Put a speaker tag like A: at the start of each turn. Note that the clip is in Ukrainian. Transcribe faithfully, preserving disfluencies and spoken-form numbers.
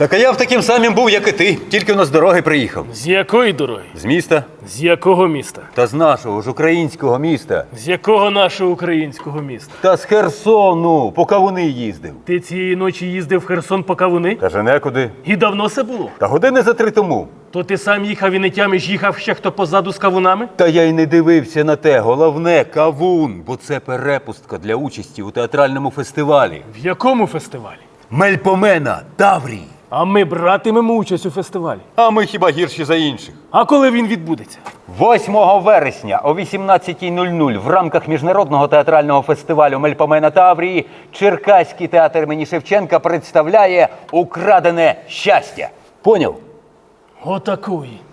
A: Так а я в таким самим був, як і ти, тільки воно з дороги приїхав.
B: З якої дороги?
A: З міста?
B: З якого міста?
A: Та з нашого ж українського міста.
B: З якого нашого українського міста?
A: Та з Херсону, по кавуни їздив.
B: Ти цієї ночі їздив в Херсон по кавуни?
A: Каже, некуди.
B: І давно це було?
A: Та години за три тому.
B: То ти сам їхав і не тямиш, їхав ще хто позаду з кавунами?
A: Та я й не дивився на те. Головне – кавун, бо це перепустка для участі у театральному фестивалі.
B: В якому фестивалі?
A: Мельпомена, Таврій.
B: А ми братимемо участь у фестивалі.
A: А ми хіба гірші за інших?
B: А коли він відбудеться?
A: восьмого вересня о вісімнадцятій нуль нуль в рамках міжнародного театрального фестивалю Мельпомена Таврії Черкаський театр імені Шевченка представляє «Украдене щастя». Поняв?
B: Отакої.